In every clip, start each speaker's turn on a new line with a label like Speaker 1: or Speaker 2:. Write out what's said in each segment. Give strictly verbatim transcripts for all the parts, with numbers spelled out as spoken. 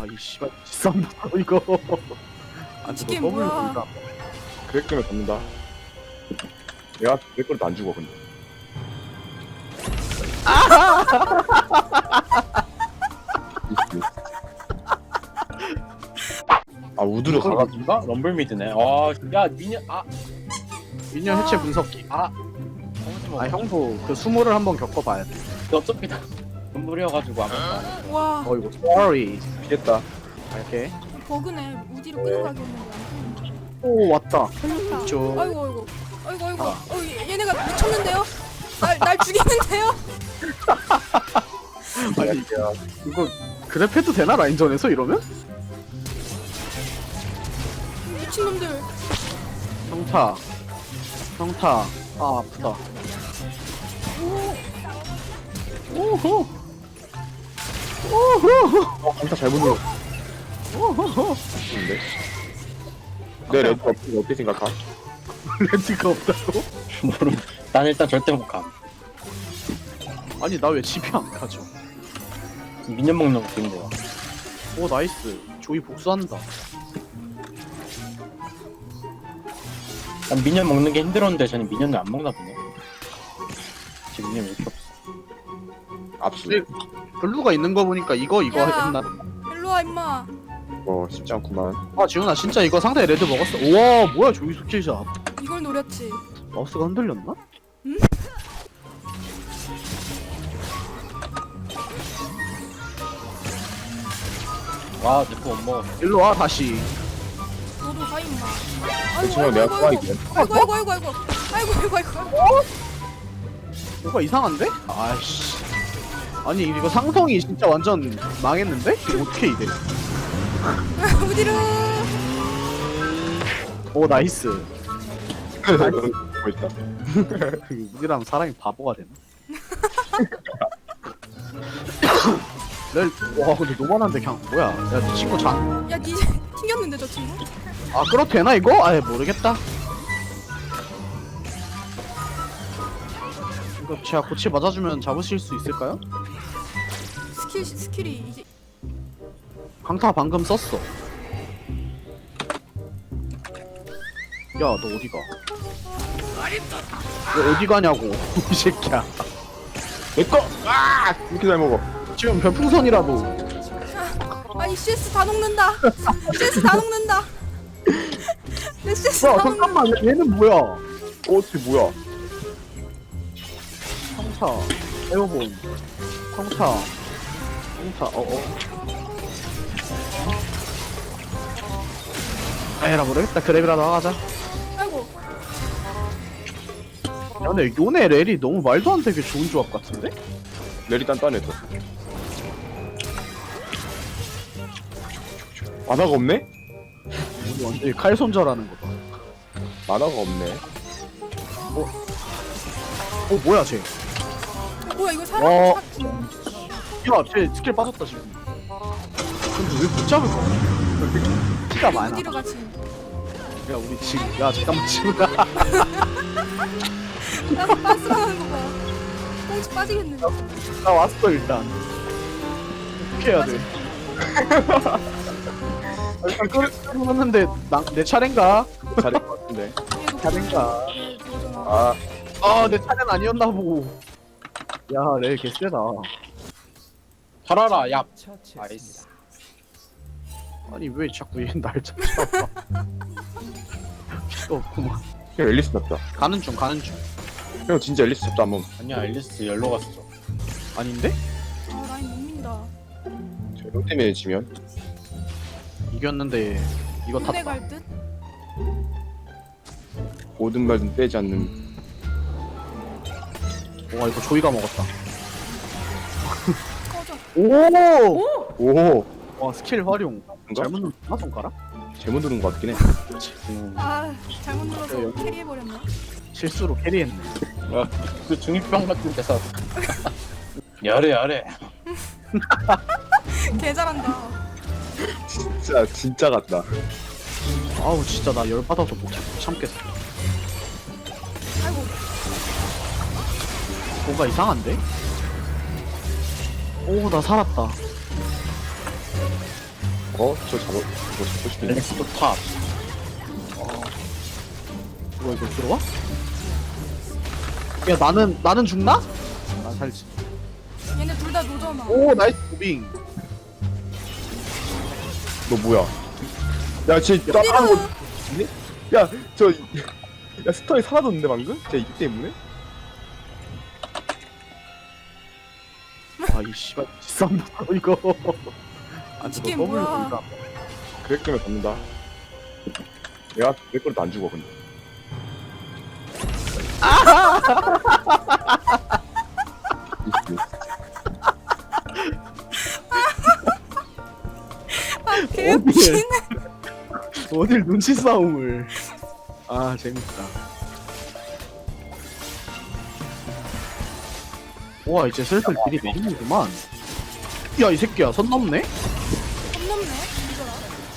Speaker 1: 아이 씨발 쌈부터 이거. 안
Speaker 2: 이게
Speaker 1: 죽어
Speaker 2: 뭐야?
Speaker 1: 더블
Speaker 3: 그렉 때문에 잡는다. 내가 그렉 거도 안 죽어 근데. 아 우드로 가가
Speaker 4: 가가지고가 럼블 미드네. 아, 야 미녀 아,
Speaker 1: 미니언 해체 분석기.
Speaker 4: 아, 아,
Speaker 1: 아 형도 그 수모를 한번 겪어봐야 돼.
Speaker 4: 어차피 다 럼블이어가지고 아무것도 안 해.
Speaker 2: 와
Speaker 1: 어 이거 sorry.
Speaker 3: 피했다.
Speaker 1: 이렇게.
Speaker 2: 버그네. 우디로 끌고 가겠는데.
Speaker 1: 오 왔다.
Speaker 2: 걸렸다.
Speaker 1: 저-
Speaker 2: 아이고 아이고 아이고 아이고. 어, 얘- 얘네가 미쳤는데요? 날 날 죽이는데요?
Speaker 1: 아니 이거 그랩 해도 되나 라인전에서 이러면?
Speaker 2: 미친놈들.
Speaker 1: 평타. 평타. 아 아프다. 오호. 오호.
Speaker 3: 어 강타 잘못 눌러.
Speaker 1: 오호.
Speaker 3: 근데 내 레드 어떻게 어떻게 생각하?
Speaker 1: 렌트가 없다고?
Speaker 4: 모르. 난 일단 절대 못 가.
Speaker 1: 아니 나 왜 집에 안 가죠?
Speaker 4: 미녀 먹는 거 힘들어.
Speaker 1: 오 나이스. 조이 복수한다.
Speaker 4: 난 미녀 먹는 게 힘들었는데 저는 미녀는 안 먹나 보네. 지금 미녀 왜 이렇게 없어?
Speaker 3: 압수.
Speaker 1: 네. 블루가 있는 거 보니까 이거 이거
Speaker 2: 야.
Speaker 1: 했나?
Speaker 2: 일로 와 임마.
Speaker 3: 어 쉽지 않구만.
Speaker 1: 아 지훈아 진짜 이거 상대 레드 먹었어. 우와 뭐야 조이 스킬샷.
Speaker 2: 이걸 노렸지.
Speaker 1: 마우스가 흔들렸나?
Speaker 4: 와, 내거 못 먹었어.
Speaker 1: 일로 와 다시.
Speaker 2: 너도 가 임마.
Speaker 3: 그렇지만 내가 좋아하긴.
Speaker 2: 아이고 아이고 아이고 아이고 아이고 아이고 아이고.
Speaker 1: 뭐가 이상한데? 아이씨. 아니 이거 상성이 진짜 완전 망했는데? 이거 어떻게 이래?
Speaker 2: 우디로.
Speaker 1: 오 나이스.
Speaker 3: 뭐 있다.
Speaker 1: 우리랑 사람이 바보가 되나? 렐, 와 근데 노만한데 그냥 뭐야? 야네 친구 장.
Speaker 2: 야 니 튕겼는데 저 친구?
Speaker 1: 아 끌어도 되나 이거? 아예 모르겠다. 이거 제가 고치 맞아주면 잡으실 수 있을까요?
Speaker 2: 스킬 스킬이 이제
Speaker 1: 강타 방금 썼어. 야 너 어디가? 너 어디 가냐고 이 새끼야.
Speaker 3: 내꺼. 아 이렇게 잘 먹어.
Speaker 1: 지금 별풍선이라도.
Speaker 2: 아니 씨에스 다 녹는다. 씨에스 다 녹는다. 내 씨에스
Speaker 1: 야
Speaker 2: 다 녹는다.
Speaker 1: 잠깐만 얘는 뭐야?
Speaker 3: 어 어떻게 뭐야?
Speaker 1: 평타 에어본 평타 평타 어어 에라 모르겠다. 그랩이라도 하자.
Speaker 2: 아이고
Speaker 1: 야 근데 요네 렐이 너무 말도 안 되게 좋은 조합 같은데?
Speaker 3: 레리 단단해서. 만화가 없네?
Speaker 1: 우리 완전히 칼 손절하는 거다.
Speaker 3: 만화가 없네.
Speaker 1: 어 뭐야 쟤?
Speaker 2: 어, 뭐야 이거 사람
Speaker 1: 어.
Speaker 2: 사-
Speaker 1: 야쟤 스킬 빠졌다 지금. 근데 왜 못 잡을 거야? 티가 많아.
Speaker 2: 우디로 같이.
Speaker 1: 야 우리 지금 야 잠깐만 지금
Speaker 2: 나 빠스라는 거 봐. 꽁치 빠지겠네.
Speaker 1: 나 왔어 일단. 어떻게 해야 돼? 아, 일단 끌었는데 내 차례인가?
Speaker 3: 잘할 것 같은데.
Speaker 1: 차례인가?
Speaker 3: 아
Speaker 1: 아 내 차례는 아니었나 보고. 야레 개쎄다.
Speaker 4: 살아라, 야. 나이스.
Speaker 1: 아니 왜 자꾸 얘날 찾아와? 피가 없구만.
Speaker 3: 형 앨리스 잡자.
Speaker 1: 가는 중 가는 중.
Speaker 3: 형 진짜 앨리스 잡자 한번.
Speaker 4: 아니야, 앨리스 열로 갔어.
Speaker 1: 아닌데?
Speaker 2: 아 라인 못 민다.
Speaker 3: 형 때문에 지면.
Speaker 1: 이겼는데 이거
Speaker 2: 군대
Speaker 1: 탔다.
Speaker 2: 갈 듯?
Speaker 3: 모든 말은 빼지 않는.
Speaker 1: 와 이거 조이가 먹었다.
Speaker 2: 꺼져.
Speaker 1: 오!
Speaker 3: 오.
Speaker 1: 와 스킬 활용.
Speaker 3: 뭔가?
Speaker 1: 잘못 눌렀나 손가락?
Speaker 3: 잘못 누른 것 같긴 해.
Speaker 1: 음,
Speaker 2: 아 잘못 눌러서
Speaker 1: 여기.
Speaker 2: 캐리해버렸네.
Speaker 1: 실수로 캐리했네.
Speaker 4: 야, 그 중이병 같은 데서. 열애, 열애.
Speaker 2: 개 잘한다.
Speaker 3: 진짜 진짜 같다.
Speaker 1: 아우 진짜 나 열받아서 못 참- 참겠어.
Speaker 2: 아이고
Speaker 1: 뭔가 이상한데? 오 나 살았다.
Speaker 3: 어? 저 잡아 이거 잡고 싶은데
Speaker 4: 렉스 또 탑.
Speaker 1: 이거 이거 들어와? 야 나는 나는 죽나? 나 살지.
Speaker 2: 얘네 둘 다 노잖아.
Speaker 1: 오 나이스 무빙.
Speaker 3: 너 뭐야 야쟤 따라하는 거
Speaker 2: 때려.
Speaker 3: 야저 야 스턴이 사라졌는데 방금? 쟤 이 때문에?
Speaker 1: 아이 씨발 쌈다 이거. 아
Speaker 2: 이
Speaker 1: 저거
Speaker 2: 게임
Speaker 1: 더블로
Speaker 2: 뭐야?
Speaker 1: 본다.
Speaker 3: 그렉 때문에 잡는다 내가 그렉 거리도 안 죽어 근데
Speaker 2: 아 개웃기네.
Speaker 1: 어딜 눈치 싸움을. 아 재밌다. 와 이제 슬슬 길이 내리는구만. 야 이 새끼야 선 넘네?
Speaker 2: 선 넘네. 이거라.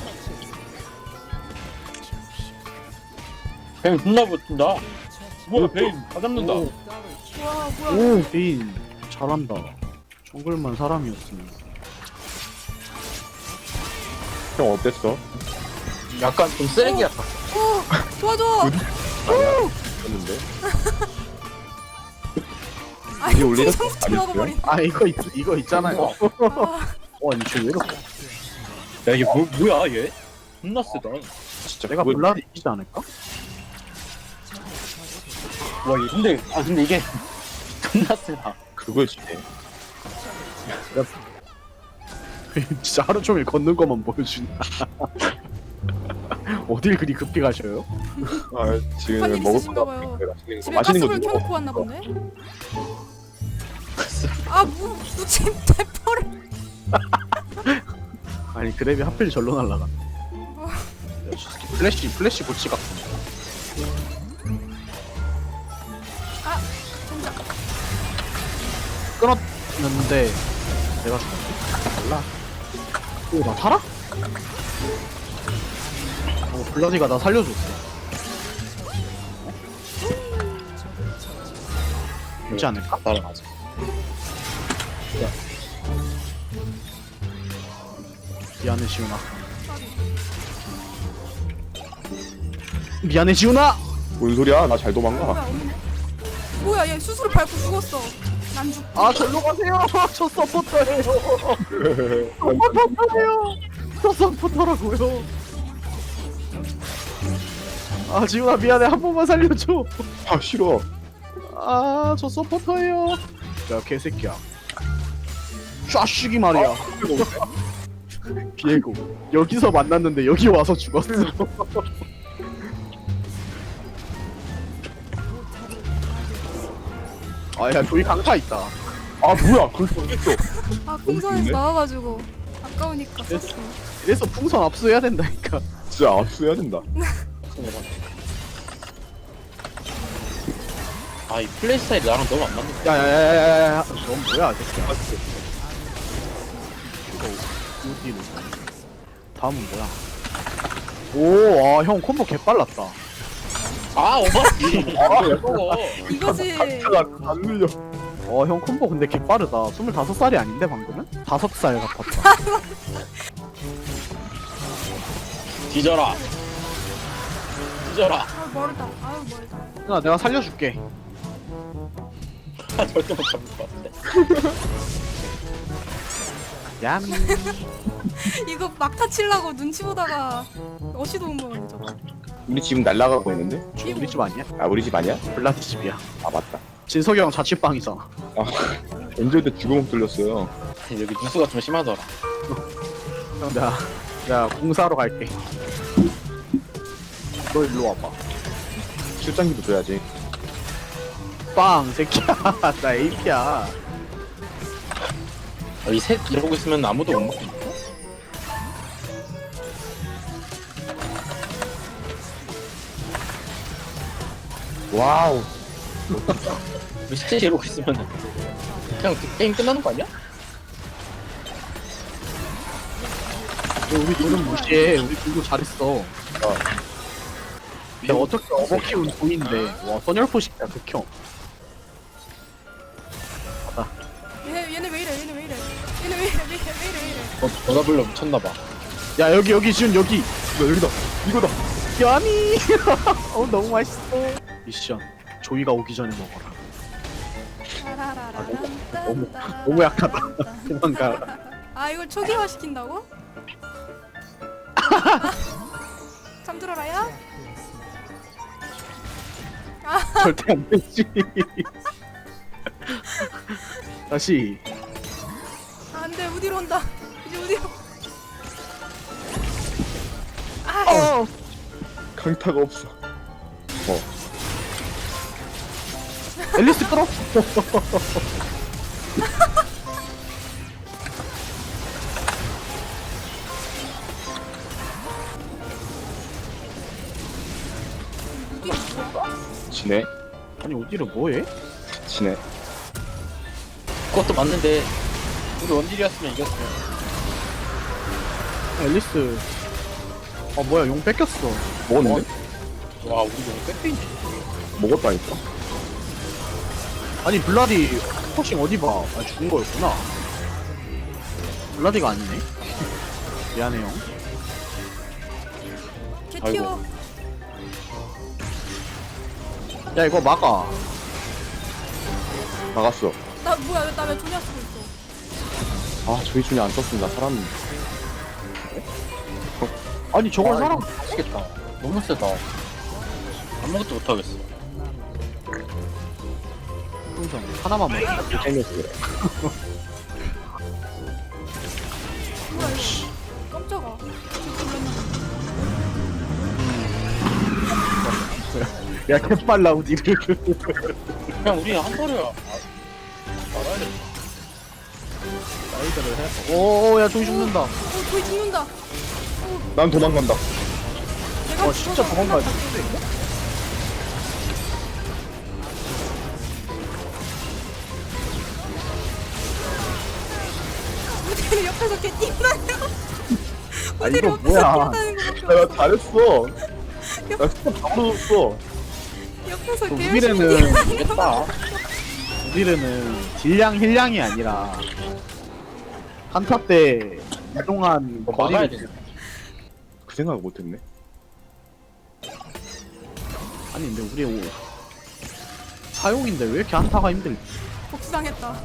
Speaker 4: 베인 존나 붙는다. 뭐야 베인 다 잡는다.
Speaker 1: 오.
Speaker 2: 와 뭐야?
Speaker 1: 오 베인 잘한다. 정글만 사람이었으면.
Speaker 3: 형 어땠어?
Speaker 4: 약간 좀 쓰레기였다.
Speaker 2: 오 도와줘.
Speaker 3: 했는데
Speaker 2: 아
Speaker 3: 이게
Speaker 2: 이거
Speaker 3: 원래
Speaker 2: 풍선부터
Speaker 3: 아니었어요?
Speaker 2: 먹어버린.
Speaker 1: 아 이거 있, 이거 있잖아요.
Speaker 2: 아,
Speaker 1: 와 이거 왜 이렇게?
Speaker 4: 야 이게 뭐, 뭐야 얘? 존나 세다.
Speaker 3: 진짜
Speaker 1: 내가
Speaker 3: 그거
Speaker 1: 블라디 이기지 않을까?
Speaker 4: 와 이게 근데 아 근데 이게 존나 세다.
Speaker 3: 그거였지
Speaker 1: 진짜 하루 종일 걷는 것만 보여준다. 어딜 그리 급히 가셔요?
Speaker 3: 아 지금
Speaker 2: 한일
Speaker 3: 먹을
Speaker 2: 있으신가
Speaker 3: 거
Speaker 2: 봐요.
Speaker 3: 맛있는 거
Speaker 2: 집에
Speaker 3: 맛있는 거
Speaker 2: 가스불
Speaker 3: 주고
Speaker 2: 켜놓고 왔나 본데? 아뭐 무침 대포를.
Speaker 1: 아니 그랩이 하필 절로 날라가. 플래시 플래시 고치 같은.
Speaker 2: 아 진짜.
Speaker 1: 끊었는데 내가 죽었지? 몰라. 오나 살아? 어 블라디가 나 살려줬어. 되지 않을까?
Speaker 4: 따라가자.
Speaker 1: 미안해 지훈아. 미안해 지훈아.
Speaker 3: 뭔 소리야 나 잘
Speaker 2: 뭐야
Speaker 3: 도망가
Speaker 2: 없네. 뭐야 얘 수술을 밟고 죽었어. 난 죽.
Speaker 1: 아 절로 가세요. 저 서포터예요. 서포터예요. 저 서포터라고요. 아 지훈아 미안해 한 번만 살려줘.
Speaker 3: 아 싫어
Speaker 1: 아 저 서포터예요. 야 개새끼야. 쫙쉬기 말이야. 비에고 여기서 만났는데 여기 와서 죽었어. 아야 저기 강타 있다.
Speaker 3: 아 뭐야 그렇게 어딨어
Speaker 2: 아 풍선에서 나와가지고 아까우니까
Speaker 1: 됐어.
Speaker 2: 썼어.
Speaker 1: 이래서 풍선 압수해야 된다니까.
Speaker 3: 진짜 압수해야 된다
Speaker 4: 아 이 플레이 스타일이 나랑 너무 안 맞는 거야.
Speaker 1: 야야야야야야. 넌 뭐야 이 새끼야. 이거 어디로? 다음은 뭐야? 오, 아, 형 콤보 개빨랐다.
Speaker 4: 아 오바지. 아왜 먹어?
Speaker 2: 이거지.
Speaker 3: 안 눌려
Speaker 1: 어, 형 콤보 근데 개빠르다. 스물다섯 살이 아닌데 방금은? 다섯 살 같았다.
Speaker 4: 뒤져라. 뒤져라.
Speaker 2: 아 멀다. 아유 멀다.
Speaker 1: 야, 내가 살려줄게.
Speaker 4: 아, 절대 못 잡을 것 같아.
Speaker 1: 얌.
Speaker 2: 이거 막타 칠라고 눈치 보다가 어시도 온 거네 저거.
Speaker 3: 우리 지금 날라가고 있는데?
Speaker 1: 우리 집 아니야?
Speaker 3: 아 우리 집 아니야?
Speaker 1: 블라디 집이야.
Speaker 3: 아 맞다
Speaker 1: 진석이 형 자취방이잖아.
Speaker 3: 언제 때 주걱 뚫렸어요
Speaker 4: 여기 누수가 좀 심하더라.
Speaker 1: 형, 내가, 내가 공사하러 갈게. 너 일로 와봐.
Speaker 3: 출장기도 줘야지
Speaker 1: 빵, 새끼야. 나 에이피야.
Speaker 4: 아, 이셋 이러고 있으면 아무도 못 먹겠네.
Speaker 3: 와우
Speaker 4: 우리 셋이 이러고 있으면 그냥 그 게임 끝나는 거 아니야?
Speaker 1: 너 우리 둘은 무시해. 우리 둘도 잘했어. 근데 어떻게 어버 키운 돈인데. 와, 선열포식이야, 극혐.
Speaker 2: 얘네 얘네 왜 이래? 얘네 왜 이래? 얘네 왜 이래? 왜 이래? 왜 이래? 왜 이래?
Speaker 4: 너, 너 잡으려 미쳤나봐.
Speaker 1: 야 여기 여기 지금 여기.
Speaker 3: 나 여기다. 이거다.
Speaker 1: 야미. 어 너무 맛있어. 미션 조이가 오기 전에 먹어라. 너무 너무 약하다. 도망가.
Speaker 2: 아 이걸 초기화 시킨다고? 잠들어라야?
Speaker 1: 절대 안 되지. 다시.
Speaker 2: 안돼 우디로 온다. 이제 우디로. 아
Speaker 1: 어.
Speaker 3: 강타가 없어. 어.
Speaker 1: 앨리스 끌어.
Speaker 2: 우디 뭐야?
Speaker 3: 지네.
Speaker 1: 아니 어디를 뭐해?
Speaker 3: 지네.
Speaker 4: 그것도 맞는데 우리 원딜이었으면 이겼어.
Speaker 1: 앨리스. 아 뭐야 용 뺏겼어.
Speaker 3: 먹었는데?
Speaker 4: 와 우리 너무 빽빽인데.
Speaker 3: 먹었다니까.
Speaker 1: 아니 블라디 포싱 어디 봐? 아 죽은 거였구나. 블라디가 아니네. 미안해요.
Speaker 2: 개튀어.
Speaker 1: 야 이거 막아.
Speaker 3: 나갔어.
Speaker 2: 나 뭐야 나 왜 조냐 쓰고 있어?
Speaker 3: 아 저희 중에 안 썼습니다. 살았는데.
Speaker 1: 아니 저걸 사람.
Speaker 4: 미치겠다. 너무 세다. 아무것도 못하겠어.
Speaker 1: 풍선 하나만 먹어.
Speaker 3: 생겼어 그래.
Speaker 2: 뭐야 이거? 깜짝아.
Speaker 1: 야 개빨라 우디를.
Speaker 4: 그냥 우리 한 번에 아, 말아야 돼.
Speaker 1: 사이드를 해. 오야 조이 죽는다.
Speaker 2: 어 조이 죽는다.
Speaker 3: 난 도망간다.
Speaker 2: 내가
Speaker 1: 와 진짜
Speaker 2: 죽어서
Speaker 1: 도망가지.
Speaker 2: 우디를 옆에서 개뛴다요.
Speaker 1: 아
Speaker 2: 우디를
Speaker 1: 이거
Speaker 2: 옆에서
Speaker 1: 뭐야?
Speaker 2: 뛴다는 거
Speaker 3: 야, 나 잘했어. 나 진짜 바로 줬어.
Speaker 2: 옆에서
Speaker 1: 그
Speaker 2: 개 열심히
Speaker 1: 우디는
Speaker 2: 뛰는 거.
Speaker 4: 이겼다.
Speaker 1: 우디르는 딜량 힐량이 아니라 한타 때 이동한
Speaker 4: 뭐 막아야
Speaker 1: 거리.
Speaker 4: 돼.
Speaker 3: 그 생각을 못했네.
Speaker 1: 아니 근데 우리 오... 사용인데 왜 이렇게 한타가 힘들지?
Speaker 2: 복수당했다.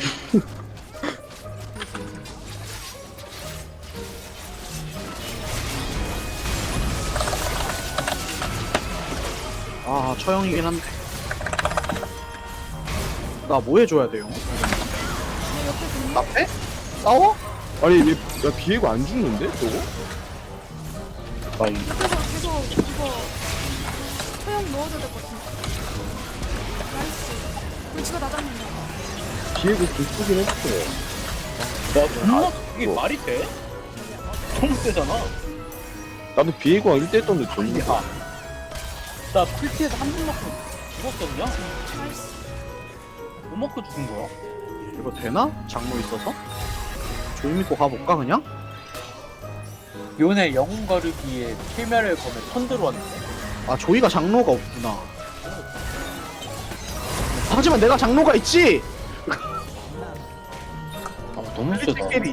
Speaker 1: 아 처형이긴 한데 나 뭐 해줘야 돼요?
Speaker 2: 내 옆에서 있는
Speaker 1: 나 패? 싸워?
Speaker 3: 아니 얘, 야 비에고 안 죽는데 저거?
Speaker 4: 나 이-
Speaker 2: 옆에서 계속 이거 소형 넣어줘야 될 것 같은데. 나이스. 불치가 나 잡는다.
Speaker 3: 비에고 좀 쓰긴 했어.
Speaker 4: 야, 존나 이게
Speaker 3: 뭐.
Speaker 4: 말이 돼? 너무 세잖아.
Speaker 3: 나도 비에고랑 일 대 일 떴는데 졌는데.
Speaker 4: 야, 나 풀티에서 한 번 먹고 죽었거든요?
Speaker 2: 나이스.
Speaker 4: 뭐 먹고 죽은 거야?
Speaker 1: 이거 되나? 장로 있어서? 조이 믿고 가볼까 그냥?
Speaker 4: 요네 영웅 거르기에 필멸을 거면 턴 들어왔는데?
Speaker 1: 아 조이가 장로가 없구나. 하지만 내가 장로가 있지!
Speaker 4: 아, 너무 세다.
Speaker 1: 캐리.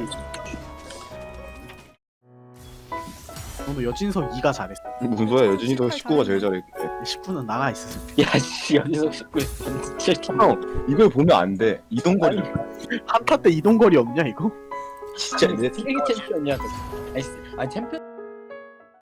Speaker 1: 너도 여진석 이가 잘했어.
Speaker 3: 무슨 소리야? 여진이도 십구가 제일 잘했대.
Speaker 1: 십구는 나가 있어.
Speaker 4: 야, 씨, 연희석 십구 진짜
Speaker 3: 형 이걸 보면 안 돼. 이동거리.
Speaker 1: 한타 때 이동거리 없냐 이거?
Speaker 4: 진짜 내 쓰레기 챔피언이야. 아니, 아니 챔피언.